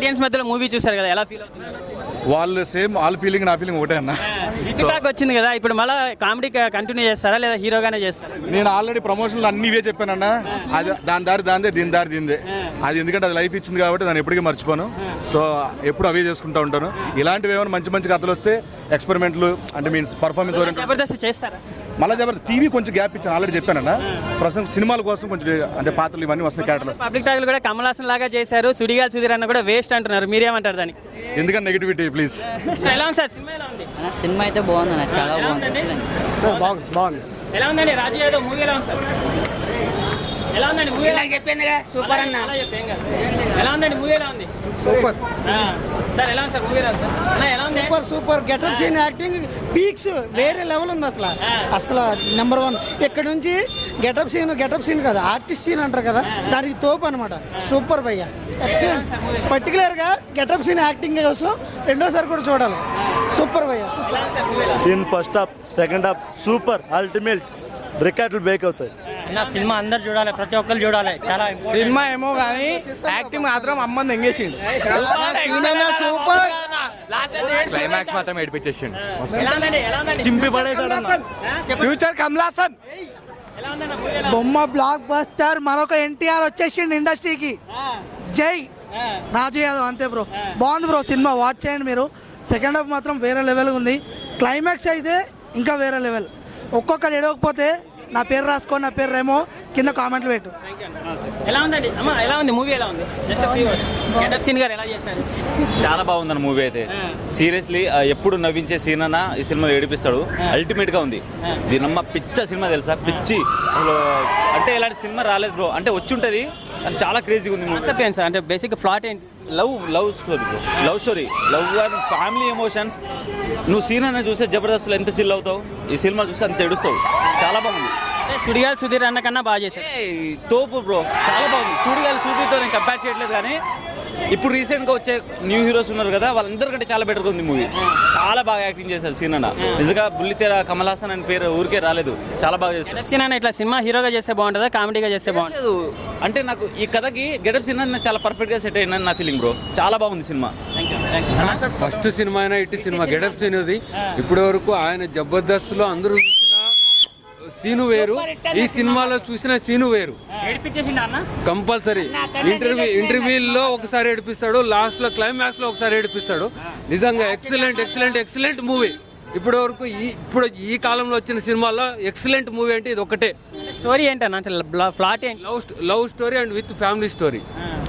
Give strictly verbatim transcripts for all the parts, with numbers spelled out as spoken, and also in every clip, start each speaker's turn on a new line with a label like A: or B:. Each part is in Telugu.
A: ఆడియన్స్ మధ్యలో మూవీ చూసారు కదా, ఎలా ఫీల్ అవుతున్నారు?
B: వాళ్ళు సేమ్ వాళ్ళ ఫీలింగ్ నా ఫీలింగ్ ఒకటే అన్న.
A: హిట్ టాక్ వచ్చింది కదా, ఇప్పుడు మళ్ళీ కామెడీ కంటిన్యూ చేస్తారా లేదా హీరోగానే చేస్తారా?
B: నేను ఆల్రెడీ ప్రమోషన్లు అన్ని ఇవే చెప్పానన్న. అది దాని దారి దాందే దీని దారి దీందే. అది ఎందుకంటే అది లైఫ్ ఇచ్చింది కాబట్టి దాన్ని ఎప్పటికీ మర్చిపోను. సో ఎప్పుడు అవే చేసుకుంటూ ఉంటాను. ఇలాంటివి ఏమైనా మంచి మంచి కథలు వస్తే ఎక్స్పెరిమెంట్లు అంటే మీన్స్ పర్ఫార్మెన్స్ ఓరియంటెడ్
A: జబర్దస్త్ చేస్తారా?
B: మళ్ళీ జబర్దస్త్ టీవీ కొంచెం గ్యాప్ ఇచ్చాను, ఆల్రెడీ చెప్పానన్న. ప్రస్తుతం సినిమాల కోసం కొంచెం అంటే పాత్రలు ఇవన్నీ వస్తున్నాయి క్యారెక్టర్లు.
A: పబ్లిక్ టాక్ కూడా కమల్ హాసన్ లాగా చేశారు, సుడిగా సుధీర్ అన్న కూడా వేస్ట్ అంటున్నారు, మీరేమంటారు దానికి?
B: ఎందుకంటే నెగిటివిటీ ప్లీజ్.
A: ఎలా ఉంది సార్ సినిమా? ఎలా ఉంది?
C: సినిమా అయితే బాగుంది అన్న, చాలా బాగుంది.
D: బాగుంది బాగుంది.
A: ఎలా ఉందండి రాజు యాదవ్ మూవీ? ఎలా ఉంది సార్? ఎలా ఉందండి మూవీ?
C: చెప్పాను కదా, సూపర్ అన్న.
A: ఎలా ఉందండి మూవీ? ఎలా ఉంది?
D: సూపర్
A: సార్ ఎలా ఉంది సార్ మూవీ? ఎలా ఉంది సార్? అన్న ఎలా ఉంది?
D: Super super getup Seenu acting peaks వేరే లెవెల్ ఉంది అసలు. అసలు నెంబర్ వన్. ఇక్కడ నుంచి గెటప్ సీన్ గెటప్ సీన్ కదా, ఆర్టిస్ట్ సీన్ అంటారు కదా, దానికి తోపు అనమాట. సూపర్ భయ్య, ఎక్సలెంట్. పర్టికులర్గా గెటప్ సీన్ యాక్టింగ్ కోసం రెండోసారి కూడా చూడాలి. సూపర్ భయ్య.
E: Seenu first half second half super ultimate. రికార్డులు బ్రేక్ అవుతాయి.
F: నా సినిమా అందరు చూడాలి, ప్రతి ఒక్కరు చూడాలి. చాలా
G: సినిమా ఏమో కానీ యాక్టింగ్ మాత్రం అమ్మని ఎంగేసిండు. సూపర్.
H: క్లైమాక్స్ మాత్రం ఏడిపించేసిండు,
G: చింపి పడేసాడు. ఫ్యూచర్ కమల్ హాసన్.
I: బొమ్మ బ్లాక్ బస్టర్. మరొక ఎన్టీఆర్ వచ్చేసిండు ఇండస్ట్రీకి. జై రాజు యాదవ్. అంతే బ్రో, బాగుంది బ్రో సినిమా, వాచ్ చేయండి మీరు. సెకండ్ హాఫ్ మాత్రం వేరే లెవెల్ ఉంది. క్లైమాక్స్ అయితే ఇంకా వేరే లెవెల్. ఒక్కొక్కరు ఎడవకపోతే నా పేరు రాసుకో, నా పేరు రేమో, కింద కామెంట్లు పెట్టు.
A: ఎలా ఉందండి అమ్మా? ఎలా ఉంది మూవీ? ఎలా ఉంది? జస్ట్ వ్యూవర్స్ గెటప్ సీన్ గారు ఎలా చేశారు?
H: చాలా బాగుందన్న మూవీ అయితే. సీరియస్లీ ఎప్పుడు నవ్వించే సీన్ అన్న ఈ సినిమాలో ఏడిపిస్తాడు. అల్టిమేట్ గా ఉంది. దీనమ్మ పిచ్చ సినిమా తెలుసా, పిచ్చి. అంటే ఇలాంటి సినిమా రాలేదు బ్రో. అంటే వచ్చి ఉంటుంది, చాలా క్రేజీగా ఉంది.
A: కాన్సెప్ట్ ఏంటి సార్? అంటే బేసిక్ ప్లాట్ ఏంటి?
H: Love love story bro, love story, love and family emotions. నువ్వు సీన్ అన్న చూస్తే జబర్దస్త్లో ఎంత చిల్ అవుతావు, ఈ సినిమా చూస్తే అంత ఏడుస్తావు. చాలా బాగుంది.
A: సుడిగాలి సుధీర్ అన్న కన్నా బాగా చేశారు.
H: తోపు బ్రో, చాలా బాగుంది. సుడిగాలి సుధీర్తో నేను కంపేర్ చేయట్లేదు, కానీ ఇప్పుడు రీసెంట్గా వచ్చే న్యూ హీరోస్ ఉన్నారు కదా, వాళ్ళందరికంటే చాలా బెటర్గా ఉంది మూవీ. చాలా బాగా యాక్టింగ్ చేశారు సీన్ అన్న. నిజంగా బుల్లితెర కమల్ హాసన్ అని పేరు ఊరికే రాలేదు, చాలా బాగా చేశారు.
A: సీన్ అన్న ఇట్లా సినిమా హీరోగా చేస్తే బాగుంటుందా, కామెడీగా చేస్తే బాగుంటుంది?
H: అంటే నాకు ఈ కథకి గెటప్ సీన్ అన్న చాలా పర్ఫెక్ట్గా సెట్ అయిందని నా ఫీలింగ్ బ్రో. చాలా బాగుంది సినిమా.
J: ఫస్ట్ సినిమా అయినా ఇటు సినిమా గెటప్ సీన్ ఇది. ఇప్పటి వరకు ఆయన జబర్దస్త్లో అందరూ చూసిన సీను వేరు, ఈ సినిమాలో చూసిన సీను వేరు. కంపల్సరీ ఇంటర్వ్యూ ఇంటర్వ్యూలో ఒకసారి ఏడిపిస్తాడు, లాస్ట్ లో క్లైమాక్స్ లో ఒకసారి ఏడిపిస్తాడు. నిజంగా ఎక్సలెంట్ ఎక్సలెంట్ ఎక్సలెంట్ మూవీ. ఇప్పటి వరకు ఈ ఇప్పుడు ఈ కాలంలో వచ్చిన సినిమాలో ఎక్సలెంట్ మూవీ అంటే ఇది ఒకటే.
A: స్టోరీ ఏంటన్నా? ఫ్లాట్ ఏంటి?
J: Love love story and with family story.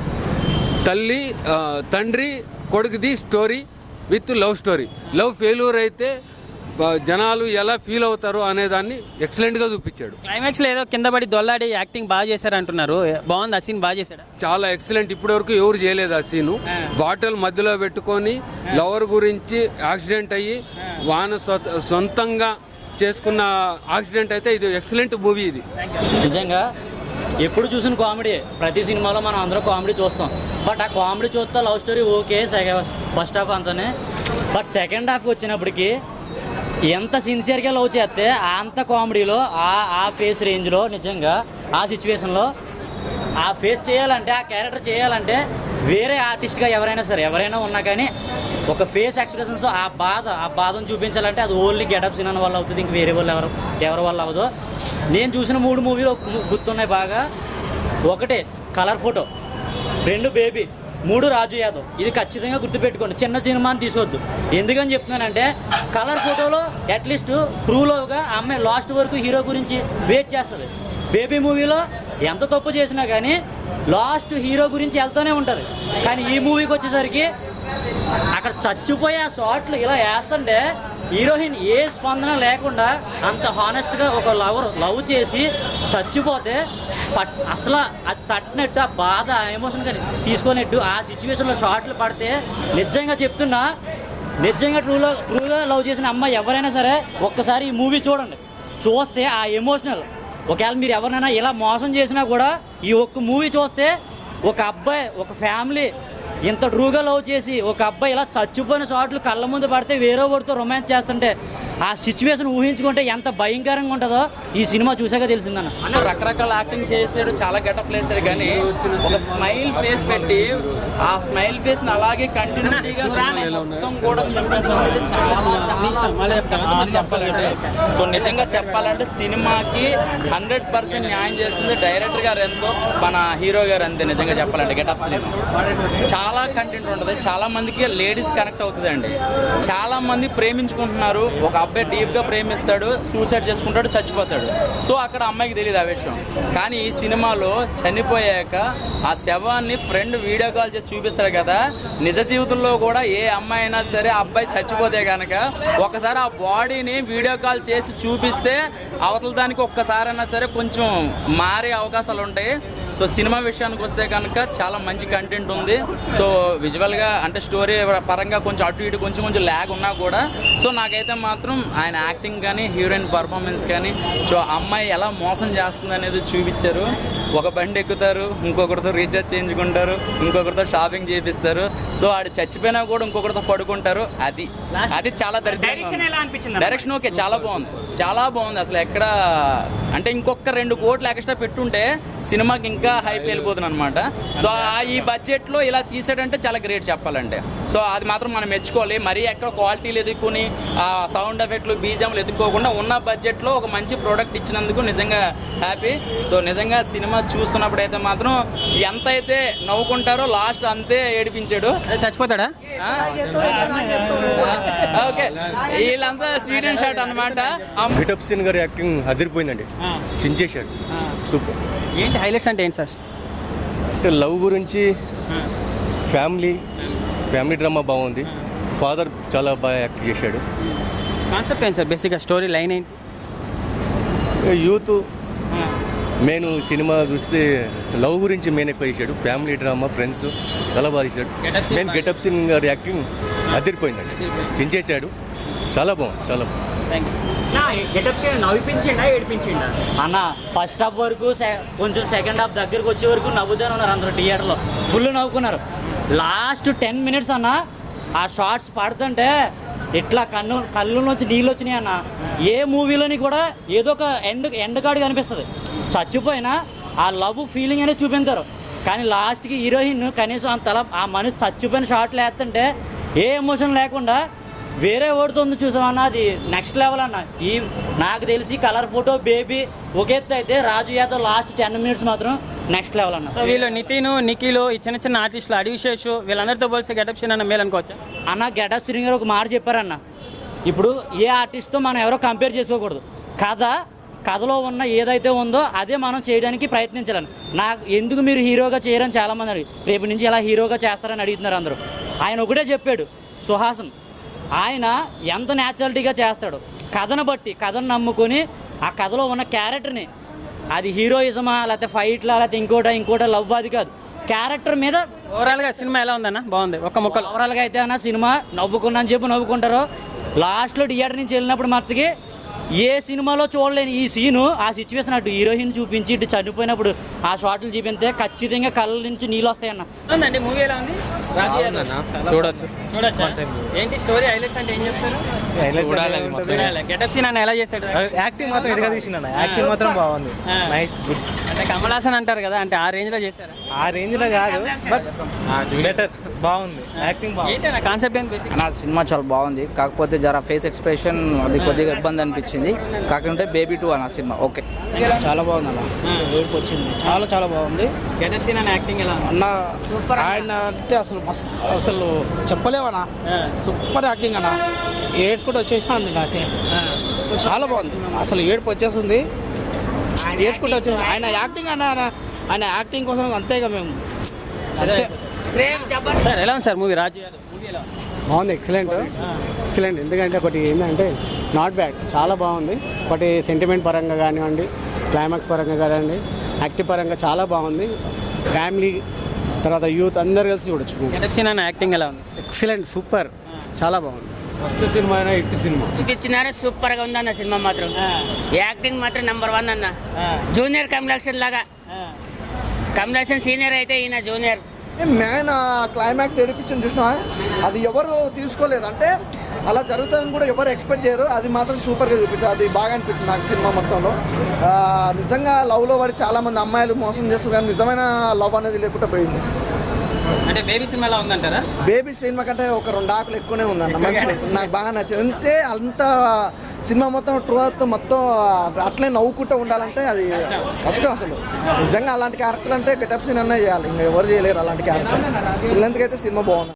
J: తల్లి తండ్రి కొడుకుది story with love story. Love failure అయితే జనాలు ఎలా ఫీల్ అవుతారు అనే దాన్ని ఎక్సలెంట్గా చూపించాడు.
A: క్లైమాక్స్ లో ఏదో కింద పడి దొల్లాడి యాక్టింగ్ బాగా చేశారు అంటున్నారు, బాగుంది ఆ సీన్? బాగా చేశాడు,
J: చాలా ఎక్సలెంట్. ఇప్పటి వరకు ఎవరు చేయలేదు ఆ సీను. బాటిల్ మధ్యలో పెట్టుకొని లవర్ గురించి యాక్సిడెంట్ అయ్యి వాన సొంతంగా చేసుకున్న యాక్సిడెంట్ అయితే ఇది ఎక్సలెంట్ మూవీ. ఇది
F: నిజంగా ఎప్పుడు చూసిన కామెడీ. ప్రతి సినిమాలో మనం అందరూ కామెడీ చూస్తాం, బట్ ఆ కామెడీ చూస్తే love story okay first half అంతానే. బట్ సెకండ్ హాఫ్కి వచ్చినప్పటికీ ఎంత సిన్సియర్గా లవ్ చేస్తే అంత కామెడీలో ఆ ఆ ఫేస్ రేంజ్లో నిజంగా ఆ సిచ్యువేషన్లో ఆ ఫేస్ చేయాలంటే, ఆ క్యారెక్టర్ చేయాలంటే వేరే ఆర్టిస్ట్గా ఎవరైనా సరే ఎవరైనా ఉన్నా కానీ ఒక ఫేస్ ఎక్స్ప్రెషన్స్ ఆ బాధ ఆ బాధను చూపించాలంటే అది ఓన్లీ గెటప్ సీన్ వల్ల అవుతుంది, ఇంక వేరే వాళ్ళు ఎవరు ఎవరి వల్ల అవ్వదు. నేను చూసిన మూడు మూవీలు గుర్తున్నాయి బాగా. ఒకటి కలర్ ఫోటో, రెండు బేబీ, మూడు రాజు యాదవ్. ఇది ఖచ్చితంగా గుర్తుపెట్టుకోండి, చిన్న సినిమాని తీసుకోవద్దు. ఎందుకని చెప్తున్నానంటే కలర్ ఫోటోలో అట్లీస్ట్ ట్రూలోగా అమ్మాయి లాస్ట్ వరకు హీరో గురించి వెయిట్ చేస్తుంది. బేబీ మూవీలో ఎంత తప్పు చేసినా కానీ లాస్ట్ హీరో గురించి వెళ్తూనే ఉంటుంది. కానీ ఈ మూవీకి వచ్చేసరికి అక్కడ చచ్చిపోయే ఆ షాట్లు ఇలా వేస్తుంటే హీరోయిన్ ఏ స్పందన లేకుండా అంత హానెస్ట్గా ఒక లవర్ లవ్ చేసి చచ్చిపోతే పట్ అసలు అది తట్టినట్టు ఆ బాధ ఎమోషన్ కానీ తీసుకునేట్టు ఆ సిచ్యువేషన్లో షార్ట్లు పడితే నిజంగా చెప్తున్నా, నిజంగా ట్రూలో ట్రూగా లవ్ చేసిన అమ్మాయి ఎవరైనా సరే ఒక్కసారి ఈ మూవీ చూడండి. చూస్తే ఆ ఎమోషనల్, ఒకవేళ మీరు ఎవరినైనా ఇలా మోసం చేసినా కూడా ఈ ఒక్క మూవీ చూస్తే ఒక అబ్బాయి ఒక ఫ్యామిలీ ఇంత ట్రూగా లవ్ చేసి ఒక అబ్బాయి ఇలా చచ్చిపోయిన షాట్లు కళ్ళ ముందు పడితే వేరే వాడితో రొమాన్స్ చేస్తుంటే ఆ సిచ్యువేషన్ ఊహించుకుంటే ఎంత భయంకరంగా ఉంటుందో ఈ సినిమా చూసాక తెలిసిందన్న.
H: అన్న రకరకాల యాక్టింగ్ చేసాడు, చాలా గెటప్ వేసాడు, కానీ ఒక స్మైల్ ఫేస్ పెట్టి ఆ స్మైల్ ఫేస్ అలాగే కంటిన్యూటీగా మొత్తం కూడా చూపించడం అనేది చాలా చాలా కష్టమని చెప్పాలంటే. సో నిజంగా చెప్పాలంటే సినిమాకి హండ్రెడ్ పర్సెంట్ న్యాయం చేస్తుంది డైరెక్టర్ గారు ఎంతో, మన హీరో గారు అంతే. నిజంగా చెప్పాలంటే గెటప్ సినిమా చాలా కంటెంట్ ఉంటుంది, చాలా మందికి లేడీస్ కనెక్ట్ అవుతుందండి. చాలా మంది ప్రేమించుకుంటున్నారు, ఒక అబ్బాయి డీప్గా ప్రేమిస్తాడు, సూసైడ్ చేసుకుంటాడు, చచ్చిపోతాడు. సో అక్కడ అమ్మాయికి తెలియదు ఆ విషయం. కానీ ఈ సినిమాలో చనిపోయాక ఆ శవాన్ని ఫ్రెండ్ వీడియో కాల్ చేసి చూపిస్తాడు కదా. నిజ జీవితంలో కూడా ఏ అమ్మాయి అయినా సరే ఆ అబ్బాయి చచ్చిపోతే కనుక ఒకసారి ఆ బాడీని వీడియో కాల్ చేసి చూపిస్తే అవతల దానికి ఒక్కసారైనా సరే కొంచెం మారే అవకాశాలు ఉంటాయి. సో సినిమా విషయానికి వస్తే కనుక చాలా మంచి కంటెంట్ ఉంది. సో విజువల్గా అంటే స్టోరీ పరంగా కొంచెం అటు ఇటు కొంచెం కొంచెం ల్యాగ్ ఉన్నా కూడా సో నాకైతే మాత్రం ఆయన యాక్టింగ్ కానీ హీరోయిన్ పర్ఫార్మెన్స్ కానీ సో అమ్మాయి ఎలా మోసం చేస్తుంది అనేది చూపించారు. ఒక బండి ఎక్కుతారు, ఇంకొకరితో రీఛార్జ్ చేయించుకుంటారు, ఇంకొకరితో షాపింగ్ చేపిస్తారు. సో ఆడు చచ్చిపోయినా కూడా ఇంకొకరితో పడుకుంటారు. అది అది చాలా దరిద్రంగా. డైరెక్షన్ ఓకే, చాలా బాగుంది, చాలా బాగుంది. అసలు ఎక్కడ అంటే ఇంకొక రెండు కోట్లు ఎక్స్ట్రా పెట్టుంటే సినిమాకి ఇంకా హైప్ వెళ్ళిపోతుంది అనమాట. సో ఈ బడ్జెట్లో ఇలా తీసాడంటే చాలా గ్రేట్ చెప్పాలంటే. సో అది మాత్రం మనం మెచ్చుకోవాలి. మరీ ఎక్కడ క్వాలిటీలు ఎదుర్కొని సౌండ్ ఎఫెక్ట్లు బీజంలు ఎదుర్కోకుండా ఉన్న బడ్జెట్లో ఒక మంచి ప్రోడక్ట్ ఇచ్చినందుకు నిజంగా హ్యాపీ. సో నిజంగా సినిమా చూస్తున్నప్పుడు అయితే మాత్రం ఎంత అయితే నవ్వుకుంటారో లాస్ట్ అంతే ఏడిపించాడు.
A: చచ్చిపోతాడా?
H: ఓకే, వీళ్ళంతా స్వీడన్ షాట్ అనమాట.
E: గెటప్ సీన్ గారి యాక్టింగ్ అదిరిపోయిందండి, చించేశాడు, సూపర్.
A: ఏంటి హైలైట్స్ అంటే ఏంటి సార్?
E: అంటే లవ్ గురించి, ఫ్యామిలీ ఫ్యామిలీ డ్రామా బాగుంది. ఫాదర్ చాలా బాగా యాక్ట్ చేశాడు.
A: కాన్సెప్ట్ ఏంటి సార్? బేసిక్గా స్టోరీ లైన్ ఏంటి?
E: యూత్ మెయిన్ సినిమా చూస్తే లవ్ గురించి మెయిన్ ఎక్కువ చేశాడు. ఫ్యామిలీ డ్రామా, ఫ్రెండ్స్ చాలా బాగా చేశాడు. మెయిన్ గెటప్ సీన్ గారి యాక్టింగ్ అదిరిపోయిందండి, చించేశాడు, చాలా బాగుంది, చాలా బాగుంది.
F: అన్న ఫస్ట్ హాఫ్ వరకు కొంచెం సెకండ్ హాఫ్ దగ్గరకు వచ్చే వరకు నవ్వుతూనే ఉన్నారు అందరూ థియేటర్లో, ఫుల్ నవ్వుకున్నారు. లాస్ట్ టెన్ మినిట్స్ అన్న ఆ షార్ట్స్ పడుతుంటే ఇట్లా కన్ను కళ్ళు నుంచి నీళ్ళు వచ్చినాయి అన్న. ఏ మూవీలోని కూడా ఏదో ఒక ఎండ్ ఎండ్ కార్డు కనిపిస్తుంది. చచ్చిపోయినా ఆ లవ్ ఫీలింగ్ అనేది చూపించారు. కానీ లాస్ట్కి హీరోయిన్ కనీసం అంతలా ఆ మనిషి చచ్చిపోయిన షార్ట్లు వేస్తుంటే ఏ ఎమోషన్ లేకుండా వేరే ఓడుతుంది చూసామన్న, అది నెక్స్ట్ లెవెల్ అన్న. ఈ నాకు తెలిసి కలర్ ఫోటో బేబీ ఒక ఎత్తు అయితే Raju Yadav last ten minutes మాత్రం నెక్స్ట్ లెవెల్ అన్న.
A: సో వీళ్ళు నితిన్, నిఖిల్, ఈ చిన్న చిన్న ఆర్టిస్టులు, అడివిశేష్ వీళ్ళందరితో పోలిస్తే గెటప్ సీన్ అన్న మేలు అనుకోవచ్చా
F: అన్న? గెటప్ సీన్ గారు ఒక మాట చెప్పారన్న, ఇప్పుడు ఏ ఆర్టిస్ట్తో మనం ఎవరో కంపేర్ చేసుకోకూడదు. కథ కథలో ఉన్న ఏదైతే ఉందో అదే మనం చేయడానికి ప్రయత్నించాలని. నాకు ఎందుకు మీరు హీరోగా చేయరని చాలామంది అడిగి రేపు నుంచి ఎలా హీరోగా చేస్తారని అడుగుతున్నారు అందరూ. ఆయన ఒకటే చెప్పాడు, సుహాసన్ ఆయన ఎంత న్యాచురాలిటీగా చేస్తాడు, కథను బట్టి కథను నమ్ముకొని ఆ కథలో ఉన్న క్యారెక్టర్ని, అది హీరోయిజమా లేకపోతే ఫైట్లా లేకపోతే ఇంకోట ఇంకోట లవ్ అది కాదు, క్యారెక్టర్ మీద.
A: ఓవరాల్గా సినిమా ఎలా ఉందన్న? బాగుంది. ఒక్క ముక్కలు
F: ఓవరాల్గా అయితే అన్న సినిమా నవ్వుకున్నాను చెప్పి నవ్వుకుంటారు. లాస్ట్లో థియేటర్ నుంచి వెళ్ళినప్పుడు మట్టుకి ఏ సినిమాలో చూడలేని ఈ సీను, ఆ సిచ్యువేషన్ అటు హీరోయిన్ చూపించి ఇటు చనిపోయినప్పుడు ఆ షాట్లు చూపిస్తే ఖచ్చితంగా కళ్ళ నుంచి నీళ్ళు వస్తాయన్న.
A: ఉందండి మూవీ ఎలా ఉంది?
G: చూడొచ్చు
A: చూడొచ్చా? ఏంటి స్టోరీ హైలైట్స్ అంటే ఏం చెప్తారు? గెటప్ సీన్ అన్న ఎలా చేశాడు?
G: యాక్టింగ్ మాత్రం ఎడగా తీసిండు, యాక్టింగ్ మాత్రం బాగుంది, నైస్, గుడ్.
A: అంటే కమల్ హాసన్ అంటారు కదా, అంటే ఆ రేంజ్ లో చేశారా?
G: ఆ రేంజ్ లో కాదు, బట్ బెటర్, బాగుంది యాక్టింగ్, బాగుంది.
A: ఏంటి కాన్సెప్ట్ ఏంటి బేసిక్?
C: నా సినిమా చాలా బాగుంది, కాకపోతే జర ఫేస్ ఎక్స్ప్రెషన్ అది కొద్దిగా ఇబ్బంది అనిపించింది. కాకుంటే బేబీ టూ అన్న సినిమా ఓకే,
D: చాలా బాగుంది అన్న, ఏడుపు వచ్చింది, చాలా చాలా బాగుంది.
A: గెటప్ సీన్ అన్న యాక్టింగ్ ఎలా
D: అన్న ఆయన అంటే అసలు మస్తు, అసలు చెప్పలేవన్నా, సూపర్ యాక్టింగ్ అన్న. ఏడ్స్ కూడా వచ్చేసినా అండి నాకే, చాలా బాగుంది, అసలు ఏడుపు వచ్చేస్తుంది, ఏడ్చుకుంటూ వచ్చేసి ఆయన యాక్టింగ్ అన్న, ఆయన యాక్టింగ్ కోసం అంతేగా మేము అంతే.
A: సార్ ఎలా ఉంది sir movie? Raju Yadav movie ఎలా ఉంది?
K: బాగుంది, ఎక్సలెంట్ ఎక్సలెంట్. ఎందుకంటే ఒకటి ఏంటంటే నాట్ బ్యాడ్, చాలా బాగుంది. ఒకటి సెంటిమెంట్ పరంగా కానివ్వండి, క్లైమాక్స్ పరంగా కానివ్వండి, యాక్టివ్ పరంగా చాలా బాగుంది. ఫ్యామిలీ తర్వాత యూత్ అందరు కలిసి చూడొచ్చు.
A: గెటప్ సీన్ అన్న యాక్టింగ్ ఎలా ఉంది?
K: ఎక్సలెంట్, సూపర్, చాలా బాగుంది. ఫస్ట్ సినిమా అయినా హిట్ సినిమా
C: చూపించినారే, సూపర్ గా ఉంది అన్న సినిమా మాత్రం. యాక్టింగ్ మాత్రం నెంబర్ వన్ అన్న. జూనియర్ కమలాక్షన్ లాగా, కమలాక్షన్ సీనియర్ అయితే ఈయన జూనియర్.
G: మ్యాన్ క్లైమాక్స్ ఏడిపించని చూసినా అది ఎవరు తీసుకోలేదు. అంటే అలా జరుగుతుందని కూడా ఎవరు ఎక్స్పెక్ట్ చేయరు. అది మాత్రం సూపర్గా చూపించారు. అది బాగా అనిపించింది నాకు సినిమా మొత్తంలో. ఆ, నిజంగా లవ్లో పడి చాలామంది అమ్మాయిలు మోసం చేస్తారు కానీ నిజమైన లవ్ అనేది లేకుండా పోయింది.
A: అంటే బేబీ సినిమా ఎలా ఉందంటారా?
G: బేబీ సినిమా కంటే ఒక రెండు ఆకులు ఎక్కువనే ఉందన్న, మంచిగా నాకు బాగా నచ్చింది. అంతే అంత సినిమా మొత్తం ట్రూత్ మొత్తం అట్లే నవ్వుకుంటూ ఉండాలంటే అది కష్టం అసలు. నిజంగా అలాంటి క్యారెక్టర్ అంటే గెటప్ సీన్ అన్నా చేయాలి, ఇంకా ఎవరు చేయలేరు అలాంటి క్యారెక్టర్. పిల్లలకి అయితే సినిమా బాగుంది.